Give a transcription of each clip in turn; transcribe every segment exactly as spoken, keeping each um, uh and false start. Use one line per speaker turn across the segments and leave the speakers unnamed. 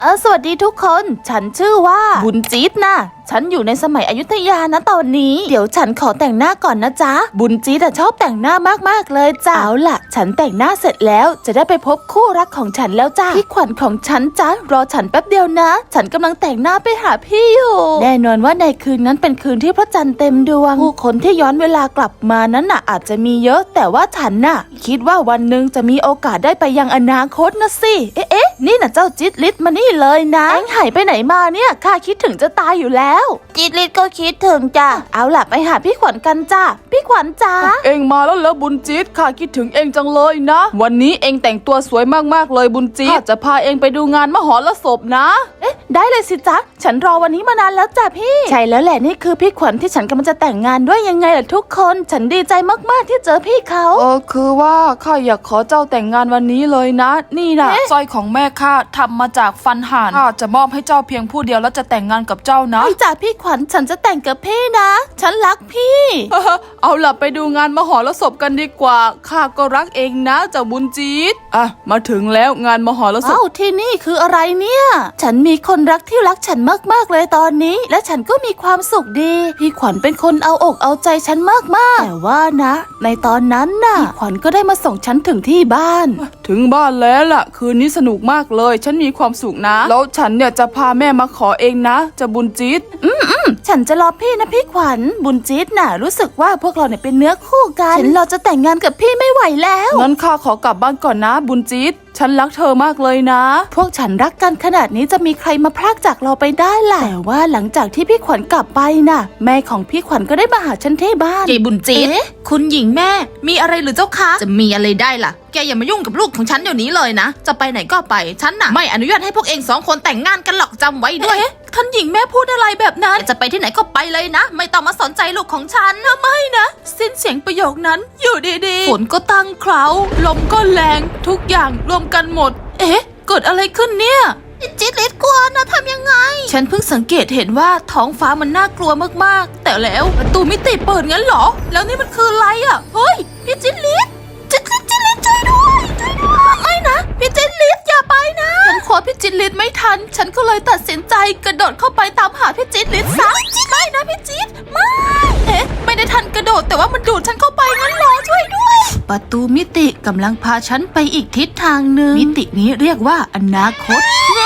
เออสวัสดีทุกคนฉันชื่อว่าบุญจี๊ดนะฉันอยู่ในสมัยอยุธยานะตอนนี้เดี๋ยวฉันขอแต่งหน้าก่อนนะจ๊ะบุญจี๊ดชอบแต่งหน้ามากๆเลยจ้ะเอาล่ะฉันแต่งหน้าเสร็จแล้วจะได้ไปพบคู่รักของฉันแล้วจ้ะพี่ขวัญของฉันจ้ะรอฉันแป๊บเดียวนะฉันกำลังแต่งหน้าไปหาพี่อยู่แน่นอนว่าในคืนนั้นเป็นคืนที่พระจันทร์เต็มดวงผู้คนที่ย้อนเวลากลับมานั้นน่ะอาจจะมีเยอะแต่ว่าฉันน่ะคิดว่าวันหนึ่งจะมีโอกาสได้ไปยังอนาคตนะสิเอ๊ะเอ๊ะนี่น่ะเจ้าจิ๊ดลิศมานี่เลยนะเอ็งหายไปไหนมาเนี่ยข้าคิดถึงจะตายอยู่แล้วจิ๊ดลิศก็คิดถึงจ้ะเอาล่ะไปหาพี่ขวัญกันจ้ะพี่ขวัญจ้า
เอ็งมาแล้วเหรอบุญจี๊ดข้าคิดถึงเอ็งจังเลยนะวันนี้เอ็งแต่งตัวสวยมากๆเลยบุญจี๊ดข้าจะพาเอ็งไปดูงานมหรสพนะ
เอ๊ะได้เลยสิจ๊ะฉันรอวันนี้มานานแล้วจ้ะพี่ใช่แล้วแหละนี่คือพี่ขวัญที่ฉันกำลังจะแต่งงานด้วยยังไงล่ะทุกคนฉันดีใจมากๆที่เจอพี่เขา
เออคือว่าข้าอยากขอเจ้าแต่งงานวันนี้เลยนะนี่นะสร้อยของแม่ข้าทำมาจากฟันห่านข้าจะมอบให้เจ้าเพียงผู้เดียวแล้วจะแต่งงานกับเจ้านะ
พี่จ๋าพี่ขวัญฉันจะแต่งกับพี่นะฉันรักพี่
เอาล่ะไปดูงานมหรสพกันดีกว่าข้าก็รักเองนะเจ้าบุญจี๊ดอ่ะมาถึงแล้วงานมหรสพ
อ้าวที่นี่คืออะไรเนี่ยฉันมีคนรักที่รักฉันมากๆเลยตอนนี้และฉันก็มีความสุขดีพี่ขวัญเป็นคนเอาอกเอาใจฉันมากๆแต่ว่านะในตอนนั้นน่ะพี่ขวัญก็ได้มาส่งฉันถึงที่บ้าน
ถึงบ้านแล้วล่ะคืนนี้สนุกมากเลยฉันมีความสุขนะแล้วฉันเนี่ยจะพาแม่มาขอเองนะจะบุญจี๊ด
อืมอืมฉันจะรอพี่นะพี่ขวัญบุญจี๊ดน่ะรู้สึกว่าพวกเราเนี่ยเป็นเนื้อคู่กันฉันเราจะแต่งงานกับพี่ไม่ไหวแล้ว
งั้นข้าขอกลับบ้านก่อนนะบุญจี๊ดฉันรักเธอมากเลยนะ
พวกฉันรักกันขนาดนี้จะมีใครมาพรากจากเราไปได้ล่ะแต่ว่าหลังจากที่พี่ขวัญกลับไปน่ะแม่ของพี่ขวัญก็ได้มาหาฉันที่บ้าน
ยายบุญจี๊ดคุณหญิงแม่มีอะไรหรือเจ้าคะจะมีอะไรได้ล่ะแกอย่ามายุ่งกับลูกของฉันเดี๋ยวนี้เลยนะจะไปไหนก็ไปฉันน่ะไม่อนุญาตให้พวกเองสองคนแต่งงานกันหรอกจำไว้ด้วย
ท่านหญิงแม่พูดอะไรแบบนั้น
จะไปที่ไหนก็ไปเลยนะไม่ต้องมาสนใจลูกของฉัน
นะไม่นะสิ้นเสียงประโยคนั้นอยู่ดีๆฝนก็ตั้งเคราลมก็แรงทุกอย่างรวมกันหมดเอ๊ะเกิดอะไรขึ้นเนี่ย
จิ๊ดลิศกลัวนะทำยังไง
ฉันเพิ่งสังเกตเห็นว่าท้องฟ้ามันน่ากลัวมากๆแต่แล้วประตูมิติเปิดงั้นเหรอแล้วนี่มันคืออะไรอ่ะเฮ้ยพี่จิ๊ดลิศจิ๊ดลิศจิ๊ดลิศช่วยด้วยช่วยด้วยไม่นะพี่จิ๊ดลิศอย่าไปนะฉันขอพี่จิ๊ดลิศไม่ทันฉันก็เลยตัดสินใจกระโดดเข้าไปตามหาพี่จิ๊ดลิศซะไม่นะพี่จิ๊ดไม่เอ๊ะไม่ได้ทันกระโดดแต่ว่ามันดูดฉันเข้าไปงั้นเหรอช่วยด้วยประตูมิติกำลังพาฉันไปอีกทิศทางหนึ่งมิตินี้เรียกว่าอนาคต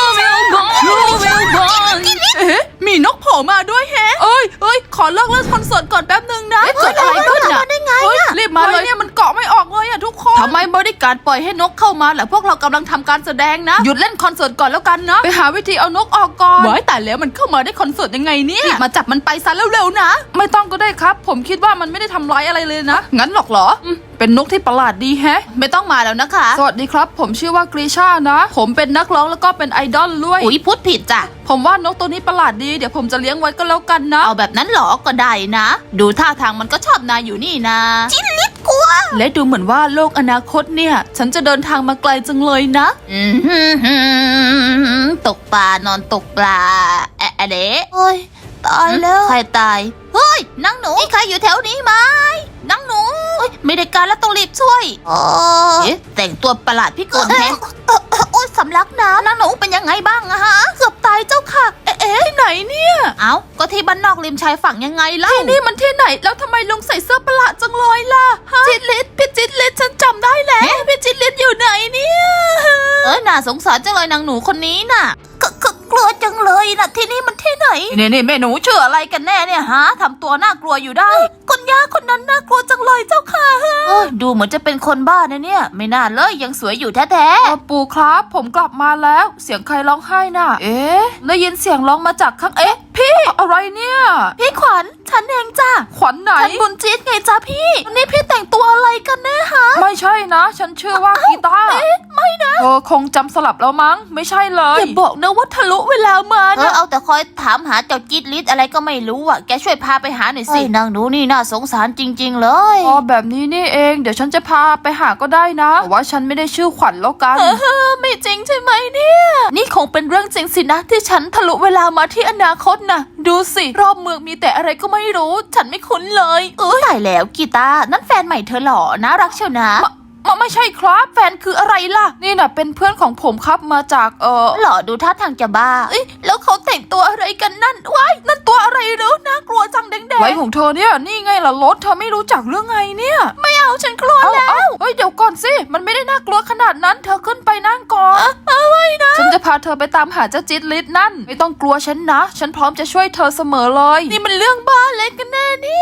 เอ๊ะมีนกโผล่มาด้วยแฮะเอ้ยเอ้ยขอเลิกเล่นคอนเสิร์ตก่อนแป๊บนึงนะ
เกิดอะไรขึ้นอ่ะได้ไง
อ่ะรีบมาเลยเนี่ยมันเกาะไม่ออกเลยอ่ะทุกคนทำไมบริการปล่อยให้นกเข้ามาล่ะพวกเรากำลังทำการแสดงนะหยุดเล่นคอนเสิร์ตก่อนแล้วกันนะไปหาวิธีเอานกออกก่อนไว้แต่แล้วมันเข้ามาได้คอนเสิร์ตยังไงเนี่ยรีบมาจับมันไปซะเร็วๆนะไม่ต้องก็ได้ครับผมคิดว่ามันไม่ได้ทำร้ายอะไรเลยนะงั้นหรอกเหรอเป็นนกที่ประหลาดดีแฮะ
ไม่ต้องมาแล้วนะคะ
สวัสดีครับผมชื่อว่ากรีชานะผมเป็นนักร้องแล้วก็เป็นไอดอลด้วย
อุ๊ยพูดผิดจ้ะ
ผมว่านกตัวนี้ประหลาดดีเดี๋ยวผมจะเลี้ยงไว้ก็แล้วกันนะ
เอาแบบนั้นหรอก็ได้นะดูท่าทางมันก็ชอบนายอยู่นี่นะ
จิ๊ดลิศกลัวและดูเหมือนว่าโลกอนาคตเนี่ยฉันจะเดินทางมาไกลจังเลยนะ
อืมตกปลานอนตกปลาแอะเดะ
โอ้ยตายแล้ว
ใครตายเฮ้ยนางหนูมีใครอยู่แถวนี้ไหมนางหนูไม่ได้การแล้วต้องรีบช่วย
อ๋อ
เอ๊ะแต่งตัวประหลาดพี่กลแฮะ
โอ๊ยสำลักน้ำ
นางหนูเป็นยังไงบ้างอะฮะ
เกือบตายเจ้าค่ะเอ๊ะที่ไหนเนี่ย
เอ้าก็ที่บ้านนอกริมชายฝั่งยังไงล่ะ
ที่นี่มันที่ไหนแล้วทำไมลุงใส่เสื้อประหลาดจังเลยล่ะจิ๊ดลิศพี่จิ๊ดลิศฉันจำได้แล้วพี่จิ๊ดลิศอยู่ไหนเนี่ย
เอ้ยน่าสงสารจังเลยนางหนูคนนี้น่ะ
กลัวจังเลยนะที่นี่มันที่ไหน
นี่นี่แม่หนูชื่ออะไรกันแน่เนี่ยฮะทำตัวน่ากลัวอยู่ได้
คนย่าคนนั้นน่ากลัวจังเลยเจ้าค่ะ
ดูเหมือนจะเป็นคนบ้านะเนี่ยไม่น่าเลยยังสวยอยู่แท้
ๆปู่ครับผมกลับมาแล้วเสียงใครร้องไห้น่ะเอ๊ะได้ยินเสียงร้องมาจากข้างเอ๊ะพี่อะไรเนี่ย
พี่ขวัญฉันเองจ้ะ
ขวัญไหน
ฉันบุญจี๊ดไงจ้ะพี่วันนี้พี่แต่งตัวอะไรกันแน่ฮะ
ไม่ใช่นะฉันชื่อว่ากีตาร์
เอ๊ะไม่นะ
เออคงจำสลับแล้วมั้งไม่ใช่เลย
อย่าบอกนะว่าทะลุเวลามา
เออเอาแต่คอยถามหาเจ้าจิ๊ดลิศอะไรก็ไม่รู้อ่ะแกช่วยพาไปหาหน่อยสินางหนูนี่น่าสงสารจริงๆเลย
อ๋อแบบนี้นี่เองเดี๋ยวฉันจะพาไปหาก็ได้นะแต่ว่าฉันไม่ได้ชื่อขวัญแล้วกัน
เออไม่จริงใช่ไหมเนี่ยนี่คงเป็นเรื่องจริงสินะที่ฉันทะลุเวลามาที่อนาคตนะดูสิรอบเมืองมีแต่อะไรก็ไม่รู้ฉันไม่คุ้นเลย
เออตายแล้วกีตาร์นั่นแฟนใหม่เธอหรอน่ารักเชียวนะ
ไม่ไม่ใช่ครับแฟนคืออะไรล่ะนี่น่ะเป็นเพื่อนของผมครับมาจากเออ
หล่อดูท่าทางจะบ้าเอ้ยแล้วเขาแต่งตัวอะไรกันนั่นว้ายนั่นตัวอะไรหรือน่ากลัวจังแดง
ไรของเธอเนี่ยนี่ไงล่ะรถเธอไม่รู้จักเรื่องไงเนี่ย
ๆไม่เอาฉันกลัว
เอา
แล้ว
เอาเฮ้ยเดี๋ยวก่อนสิมันไม่ได้น่ากลัวขนาดนั้นเธอขึ้นไปนั่งก่อนอะไรนะฉันจะพาเธอไปตามหาเจ้าจิตลิศนั่นไม่ต้องกลัวฉันนะฉันพร้อมจะช่วยเธอเสมอเลย
นี่มันเรื่องบ้าอะไรกันแน่เนี่ย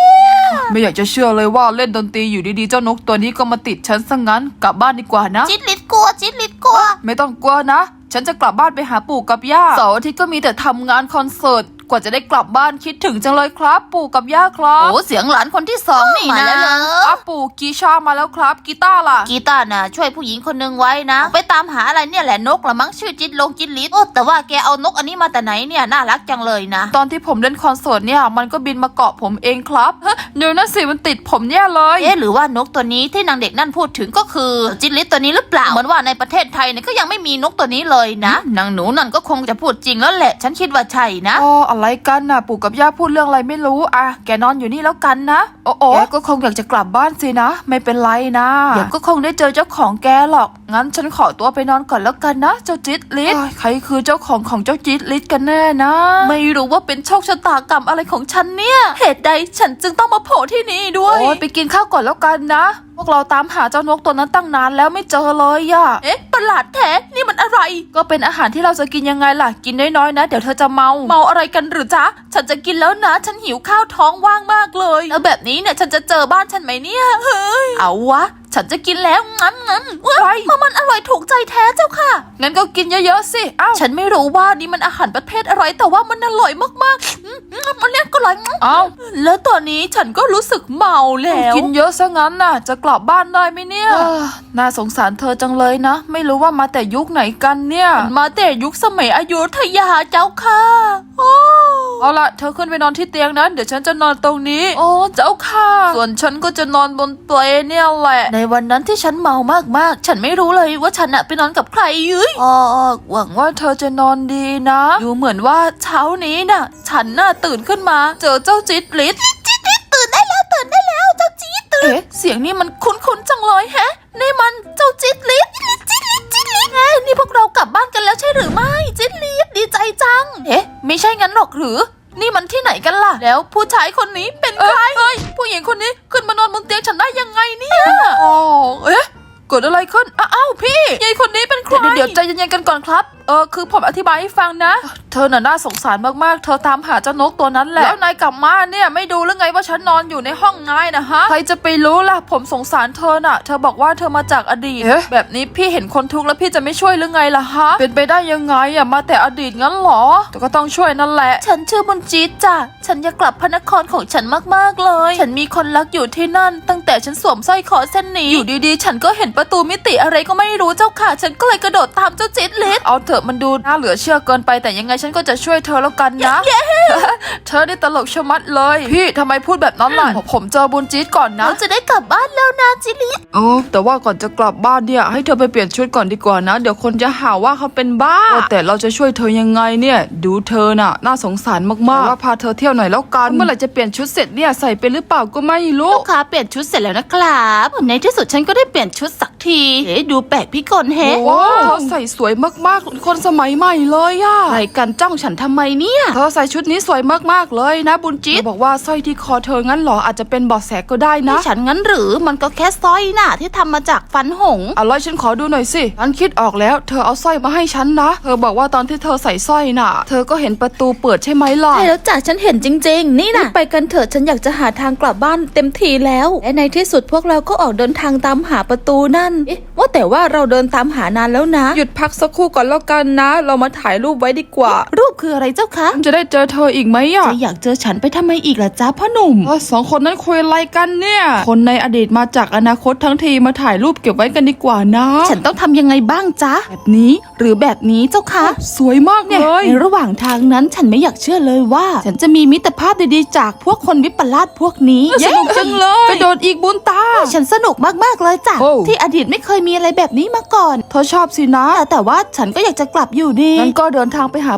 ไม่อยากจะเชื่อเลยว่าเล่นดนตรีอยู่ดีๆเจ้านกตัวนี้ก็มาติดฉันซะงั้นกลับบ้านดีกว่านะ
จิตลิศกลัวจิตลิศกลัว
ไม่ต้องกลัวนะฉันจะกลับบ้านไปหาปู่กับย่าเสาร์อาทิตย์ก็มีแต่ทำงานคอนเสิร์ตกว่าจะได้กลับบ้านคิดถึงจังเลยครับปู่กับย่าครับ
โอ้เสียงหลานคนที่สองนี่
มา
นะ
แล้วเหรอ
อ้าปู่กีชามาแล้วครับกีตาร์ล่ะ
กีตาร์น่ะช่วยผู้หญิงคนนึงไว้นะไปตามหาอะไรเนี่ยแหละนกละมั้งชื่อจิตลงจิตลิศโอ้แต่ว่าแกเอานกอันนี้มาแต่ไหนเนี่ยน่ารักจังเลยนะ
ตอนที่ผมเล่นคอนเสิร์ตเนี่ยมันก็บินมาเกาะผมเองครับฮะเดี๋ยวนะสิมันติดผมเนี่ยเลย
เอ๊ะหรือว่านกตัวนี้ที่นางเด็กนั่นพูดถึงก็คือจิตลิศตัวนี้หรือเปล่าเหมือนว่าในประเทศไทยเนี่ยก็ยังไม่มีนกตัวนี้เลยนะนางหนูนั่นก็คงจะพูดจริงแล้วแหละฉันคิดว่าใช่นะ
อ๋ออะไรกันน่ะปู่กับย่าพูดเรื่องอะไรไม่รู้อ่ะแกนอนอยู่นี่แล้วกันนะโอ้โอแกก็คงอยากจะกลับบ้านสินะไม่เป็นไรนะเดี๋ยวก็คงได้เจอเจ้าของแกหรอกงั้นฉันขอตัวไปนอนก่อนแล้วกันนะเจ้าจิตลิศเอ้ยใครคือเจ้าของของเจ้าจิตลิศกันแน่นะ
ไม่รู้ว่าเป็นโชคชะตากรรมอะไรของฉันเนี่ยเหตุใดฉันจึงต้องมาโผล่ที่นี่ด้วย
โอ้ยไปกินข้าวก่อนแล้วกันนะพวกเราตามหาเจ้านกตัวนั้นตั้งนานแล้วไม่เจอเลยอะ
เอ๊ะประหลาดแท้นี่มันอะไร
ก็เป็นอาหารที่เราจะกินยังไงล่ะกินน้อยๆนะเดี๋ยวเธอจะเมา
เมาอะไรกันหรือจ๊ะฉันจะกินแล้วนะฉันหิวข้าวท้องว่างมากเลยแล้วแบบนี้เนี่ยฉันจะเจอบ้านฉันไหมเนี่ยเฮ้ยเอาวะฉันจะกินแล้วงั้นงั้นว้ายเพราะมันอร่อยถูกใจแท้เจ้าค่ะ
งั้นก็กินเยอะๆสิเอ้า
ฉันไม่รู้ว่านี่มันอาหารประเภทอะไรแต่ว่ามันอร่อยมากๆอืมอืมมันเรียกก็อร่อย
เอ้า
แล้วตอนนี้ฉันก็รู้สึกเมาแล้ว
กินเยอะซะงั้นน่ะจะกลับบ้านได้ไหมเนี่ยเอ้อน่าสงสารเธอจังเลยนะไม่รู้ว่ามาแต่ยุคไหนกันเนี่ย
มาแต่ยุคสมัยอยุธยาเจ้าค่ะโอ้
เอาล่ะเธอขึ้นไปนอนที่เตียงนะเดี๋ยวฉันจะนอนตรงนี้
โอ้เจ้าค่ะ
ส่วนฉันก็จะนอนบนเปลเนี่ยแหละ
ในวันนั้นที่ฉันเมามากๆฉันไม่รู้เลยว่าฉันอะไปนอนกับใครยุ้ย
อ๋อหวังว่าเธอจะนอนดีนะ
ดูเหมือนว่าเช้านี้น่ะ ฉันน่ะตื่นขึ้นมา เจอเจ้าจิตลิศจิตลิศตื่นได้แล้วตื่นได้แล้วเจ้าจิตตื่นเอ๊ะเสียงนี้มันคุ้นๆจังเลยแฮะนี่มันเจ้าจิตลิศจิตลิศจิตลิศเอ๊ะนี่พวกเรากลับบ้านกันแล้วใช่หรือไม่จิตลิศดีใจจังเอ๊ะไม่ใช่งั้นหรอกหรือนี่มันที่ไหนกันล่ะแล้วผู้ชายคนนี้เป็นใคร
เอ้ยผู้หญิงคนนี้ขึ้นมานอนบนเตียงฉันได้ยังไงเนี่ยอ๋อเอ๊ะเกิดอะไรขึ้นอ้าวพี่ยายคนนี้เป็นใครเดี๋ยวใจเย็นๆกันก่อนครับเออคือผมอธิบายให้ฟังนะเธอน่ะน่าสงสารมากๆเธอตามหาเจ้านกตัวนั้นแหละแล้วนายกลับมาเนี่ยไม่ดูหรือไงว่าฉันนอนอยู่ในห้องนายนะฮะใครจะไปรู้ล่ะผมสงสารเธอน่ะเธอบอกว่าเธอมาจากอดีตแบบนี้พี่เห็นคนทุกข์แล้วพี่จะไม่ช่วยหรือไงล่ะฮะเป็นไปได้ยังไงอะมาแต่อดีตงั้นหรอแต่ก็ต้องช่วยนั่นแหละ
ฉันชื่อบุญจิตจ้ะฉันอยากกลับพระนครของฉันมากๆเลย ฉันมีคนรักอยู่ที่นั่น ตั้งแต่ฉันสวมสร้อยคอเส้นนี้ อยู่ดีๆ ฉันก็เห็นประตูมิติอะไรก็ไม่รู้เจ้าค่ะ ฉันก็เลยกระโดดตามเจ้าจิตลิศ
เอาเถอะมันดูน่าเหลือเชื่อเกินไปแต่ยังไงฉันก็จะช่วยเธอแล้วกันนะ เธอได้ตลกชะมัดเลย พี่ทำไมพูดแบบนั้นล่ะ ผมเจอบุญจี๊ดก่อนนะ
เราจะได้กลับบ้านแล้วนะจิตลิศ
โอ้แต่ว่าก่อนจะกลับบ้านเนี่ยให้เธอไปเปลี่ยนชุดก่อนดีกว่านะ เดี๋ยวคนจะหาว่าเขาเป็นบ้าแต่เราจะช่วยเธอยังไงเนี่ยดูเธอน่ะน่าสงสารมากๆว่าพาเธอเที่ยวหน่อยแล้วกันเมื่อไหร่จะเปลี่ยนชุดเสร็จเนี่ยใส่เป็นหรือเปล่าก็ไม่รู้
ลูกค้าเปลี่ยนชุดเสร็จแล้วนะครับในที่สุดฉันก็ได้เปลี่ยนชุดสักทีเอ๊ะดูแปลกพิกลแฮะ
ว้าวเธอใส่สวยมากๆคนสมัยใหม่เลยอะ
ใครกันจ้องฉันทำไมเนี่ย
เธอใส่ชุดนี้สวยมากๆเลยนะบุญจี๊ดบอกว่าสร้อยที่คอเธองั้นเหรออาจจะเป็นเบาะแสก็ได้นะ
ที่ฉันงั้นหรือมันก็แค่สร้อยน่ะที่ทำมาจากฟันหงส์
อะไรฉันขอดูหน่อยสิฉันคิดออกแล้วเธอเอาสร้อยมาให้ฉันนะเธอบอกว่าตอนที่เธอใส่สร้อยน่ะเธอก็เห็นประตูเปิดใช่ไหมล่ะ
ใช่แล้วจ้ะฉันเห็นจริงๆนี่นะไปกันเถอะฉันอยากจะหาทางกลับบ้านเต็มทีแล้วและในที่สุดพวกเราก็ออกเดินทางตามหาประตูนั่นเอ๊ะว่าแต่ว่าเราเดินตามหานานแล้วนะ
หยุดพักสักครู่ก่อนแล้วกันนะ เรามาถ่ายรูปไว้ดีกว่า
รูปคืออะไรเจ้าคะ
ฉันจะได้เจอเธออีกไหมอ่ะ
จะอยากเจอฉันไปทำไมอีกล่ะจ้าพ่อหนุ่ม
เออสองคนนั้นคุยอะไรกันเนี่ยคนในอดีตมาจากอนาคตทั้งทีมาถ่ายรูปเก็บไว้กันดีกว่านะ
ฉันต้องทำยังไงบ้างจ๊ะแบบนี้หรือแบบนี้เจ้าคะ
สวยมาก
เนี่ย
เลย
ในระหว่างทางนั้นฉันไม่อยากเชื่อเลยว่า ฉันจะมีมิตรภาพดีๆจากพวกคนวิปลาสพวกนี้
สนุกจังเลยกระโดดอีกบุญตา
ฉันสนุกมากๆเลยจ้ะ
โอ้
ที่อดีตไม่เคยมีอะไรแบบนี้มาก่อน
เธอชอบสินะ
แต่แต่ว่าฉันก็อยากจะกลับอยู่ดี
งั้นก็เดินทางไปหาประตูต่อ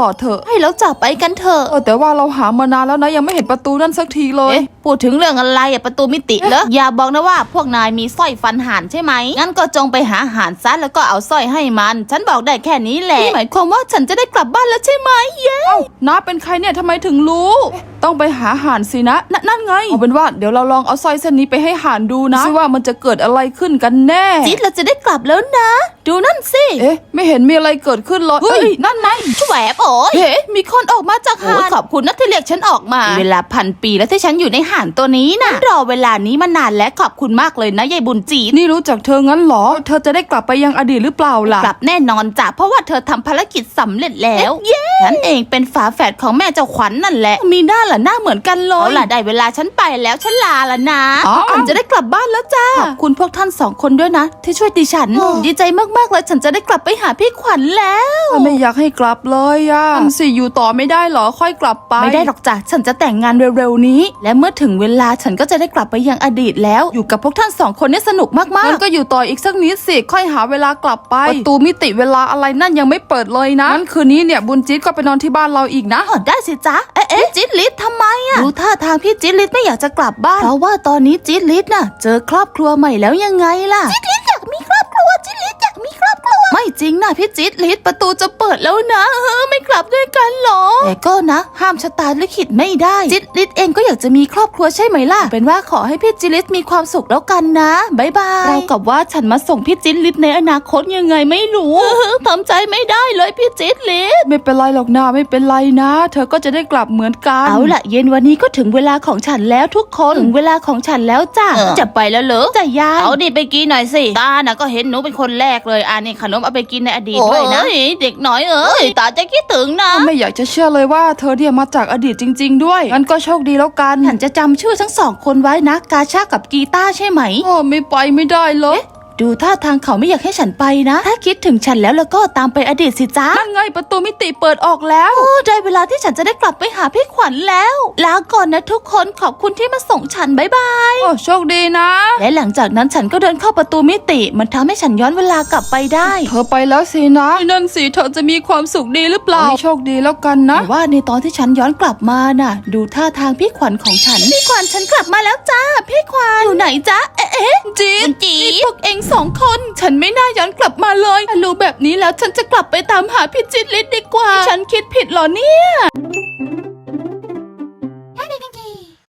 ต่อเถอะ
ให้แล้วจับไปกันเถอะ
เออแต่ว่าเราหามานานแล้วนะยังไม่เห็นประตูนั่นสักทีเลย
เอ๊ะพูดถึงเรื่องอะไรอะประตูมิติเหรอ อย่าบอกนะว่าพวกนายมีสร้อยฟันห่านใช่ไหมงั้นก็จงไปหาห่านซะแล้วก็เอาสร้อยให้มัน ฉันบอกได้แค่นี้แหละนี่หมายความว่าฉันจะได้กลับบ้านแล้วใช่ไหมเย้
น้าเป็นใครเนี่ยทำไมถึงรู้ ต้องไปหาห่านสินะนนั่นไงเอาเป็นว่าเดี๋ยวเราลองเอาสร้อยเส้นนี้ไปให้ห่านดูนะซิว่ามันจะเกิดอะไรขึ้นกันแน่
จิ๊ดเราจะได้กลับแล้วนะ ดูนั่นสิ
เอ๊ะไม่เห็นมีอะไรเกิดขึ้นเลยเฮ้ยนั่นไง
แหวบโอ้ยเฮ้มีคนออกมาจากห่านขอบคุณนะที่เรียกฉันออกมา เวลาพันปีแล้วที่ฉันอยู่ในห่านตัวนี้นะรอเวลานี้มานานและขอบคุณมากเลยนะยายบุญจีด
นี่รู้จักเธองั้นเหรอ เธอจะได้กลับไปยังอดีตหรือเปล่าล่ะ
กลับแน่นอนจ้ะเพราะว่าเธอทำภารกิจสำเร็จแล้วฉันเองเป็นฝาแฝดของแม่เจ้าขวัญนั่นแหละมีหน้าล่ะหน้าเหมือนกันเลยเอาล่ะได้เวลาฉันไปแล้วฉันลาละนะ
อ๋อ
ฉันจะได้กลับบ้านแล้วจ้าขอบคุณพวกท่านสองคนด้วยนะ ที่ช่วยดิฉันดีใจมากๆเลยฉันจะได้กลับไปหาพี่ขวัญแล้ว
ไม่อยากให้กลับเลยอะทำสิอยู่ต่อไม่ได้เหรอค่อยกลับไป
ไม่ได้หรอกจ้ะฉันจะแต่งงานเร็วๆนี้ และเมื่อถึงเวลาฉันก็จะได้กลับไปยังอดีตแล้วอยู่กับพวกท่านสองคนนี่สนุกมาก
งั้นก็อยู่ต่ออีกสักนิดสิค่อยหาเวลากลับไปประตูมิติเวลาอะไรนั่นยังไม่เปิดเลยนะงั้นคืนนี้เนี่ยบุญจี๊ดก็ไปนอนที่บ้านเราอีกนะ
ๆอ๋อได้สิจ๊ะเอ๊ะเอ๊ะจิ๊ดลิศทำไมอะดูท่าทางพี่จิ๊ดลิศไม่อยากจะกลับบ้านเพราะว่าตอนนี้จิ๊ดลิศน่ะเจอครอบครัวใหม่แล้วยังไงล่ะจิ๊ดลิศอยากมีครอบครัวจิ๊ดลิศอยากมีครอบครัวไม่จริงนะพี่จิ๊ดลิศประตูจะเปิดแล้วนะเออไม่กลับด้วยกันหรอแต่ก็นะห้ามชะตาลิขิตไม่ได้จิ๊ดลิศเองก็อยากจะมีครอบครัวใช่ไหมล่ะเป็นว่าขอให้พี่จิ๊ดลิศมีความสุขแล้วกันนะบ๊ายบายเรากับว่าฉันมาส่งพี่จิ๊ดลิศในอนาคตยังไงไม่รู้เออทำใจไม่ได้เลยพี่จิ๊ดลิศ
ไม่เป็นไรหรอกนะไม่เป็นไรนะ เธอก็จะได้กลับเหมือนกัน
เอาล่ะเย็นวันนี้ก็ถึงเวลาของฉันแล้วทุกคนถึงเวลาของฉันแล้วจ้ะจะไปแล้วเหรอจะยายเอาดิไปกินหน่อยสิตาน่ะก็เห็นหนูเป็นคนแรกเลยอ่านี่ขนมเอาไปกินในอดีตด้วยนะเด็กน้อยเอ้ยตาจะคิดถึงนะ
ไม่อยากจะเชื่อเลยว่าเธอเนี่ยมาจากอดีตจริง ๆ ด้วยงั้นก็โชคดีแล้วกัน
ฉันจะจำชื่อทั้งสองคนไว้นะกาชากับกีตาร์ใช่ไหม
โอ้ไม่ไปไม่ได้เลย
ดูท่าทางเขาไม่อยากให้ฉันไปนะ ถ้าคิดถึงฉันแล้วแล้วก็ตามไปอดีตสิจ้า
นั่นไงประตูมิติเปิดออกแล้ว
โอ้ได้เวลาที่ฉันจะได้กลับไปหาพี่ขวัญแล้วลาก่อนนะทุกคนขอบคุณที่มาส่งฉันบ๊ายบาย
โอ้โชคดีนะ
และหลังจากนั้นฉันก็เดินเข้าประตูมิติมันทำให้ฉันย้อนเวลากลับไปได้
เธอไปแล้วสินะนั่นสิเธอจะมีความสุขดีหรือเปล่าโชคดีแล้วกันนะ
แต่ว่าในตอนที่ฉันย้อนกลับมาน่ะ ดูท่าทางพี่ขวัญของฉันพี่ขวัญฉันกลับมาแล้วจ้าพี่ขวัญอยู่ไหนจ๊ะเอ๊ะเอ๊ะ
จีด
จี
พวกเองสองคนฉันไม่น่าย้อนกลับมาเลยรู้แบบนี้แล้วฉันจะกลับไปตามหาพี่จิตรลิศดีกว่า ฉันคิดผิดเหรอเนี่ย